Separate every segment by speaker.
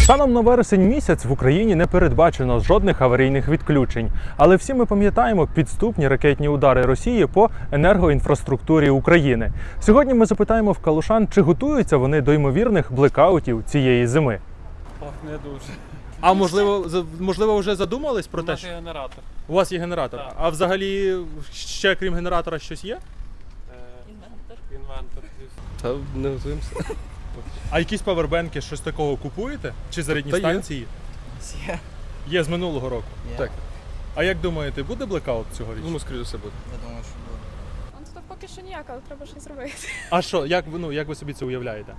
Speaker 1: Станом на вересень місяць в Україні не передбачено жодних аварійних відключень. Але всі ми пам'ятаємо підступні ракетні удари Росії по енергоінфраструктурі України. Сьогодні ми запитаємо в калушан, чи готуються вони до ймовірних блекаутів цієї зими.
Speaker 2: Ох, не дуже.
Speaker 1: А можливо вже задумались про те, що
Speaker 2: генератор.
Speaker 1: у вас є генератор?
Speaker 2: Так.
Speaker 1: А взагалі ще крім генератора щось є?
Speaker 2: Інвентор. Та не готуємося.
Speaker 1: А якісь павербенки, щось такого купуєте? Чи зарядні
Speaker 2: Та є.
Speaker 1: станції?
Speaker 3: Є.
Speaker 1: Є з минулого року.
Speaker 2: Так.
Speaker 1: А як думаєте, буде блекаут цьогоріч?
Speaker 2: Думаю, скоріше все буде.
Speaker 3: Я думаю, що буде.
Speaker 4: Ну, то поки що ніяк, але треба щось зробити.
Speaker 1: А що, як ви собі це уявляєте?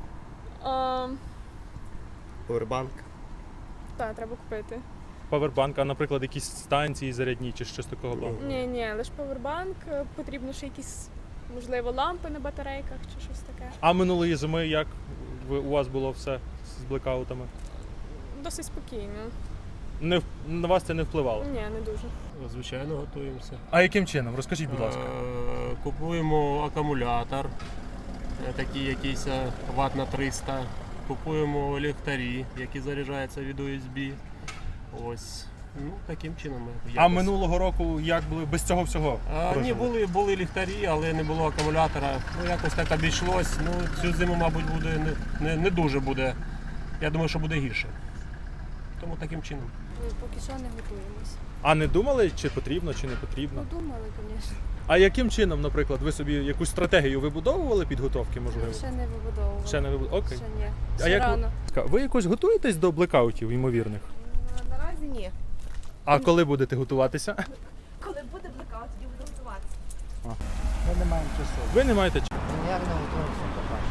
Speaker 2: Повербанк.
Speaker 4: Так, треба купити.
Speaker 1: Павербанк, а, наприклад, якісь станції зарядні чи щось такого плану?
Speaker 4: Ні, лише павербанк, потрібно ще якісь, можливо, лампи на батарейках чи щось таке.
Speaker 1: А минулої зими як у вас було все з блекаутами?
Speaker 4: Досить спокійно.
Speaker 1: На вас це не впливало?
Speaker 4: Ні, не дуже.
Speaker 5: Звичайно, готуємося.
Speaker 1: А яким чином? Розкажіть, будь ласка.
Speaker 5: Купуємо акумулятор, такий якийсь ват на 300. Купуємо ліхтарі, які заряджаються від USB. Ось. Ну, таким чином.
Speaker 1: А минулого року як були без цього всього?
Speaker 5: Ні,
Speaker 1: прожили?
Speaker 5: були ліхтарі, але не було акумулятора. Ну, якось так обійшлось. Ну, цю зиму, мабуть, буде не дуже буде. Я думаю, що буде гірше. Тому таким чином.
Speaker 6: Поки що не готуємось.
Speaker 1: А не думали, чи потрібно, чи не потрібно?
Speaker 6: Ну, думали, звісно.
Speaker 1: А яким чином, наприклад, ви собі якусь стратегію вибудовували підготовки, можливо?
Speaker 6: Ще не вибудовували.
Speaker 1: Ще не вибудовували? Окей.
Speaker 6: Ще ні.
Speaker 1: А
Speaker 6: Ще
Speaker 1: як
Speaker 6: рано.
Speaker 1: ви якось готуєтесь до блекаутів ймовірних?
Speaker 6: Наразі ні.
Speaker 1: А коли будете готуватися?
Speaker 6: Коли буде блекаут, тоді буду готуватися.
Speaker 3: Ми не маємо часу.
Speaker 1: Ви не маєте часу.
Speaker 3: Ніяк не готуємося поки.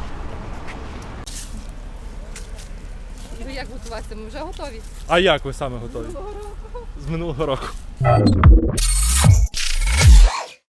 Speaker 6: Ну як готуватися? Ми вже готові.
Speaker 1: А як ви саме готові? З минулого року.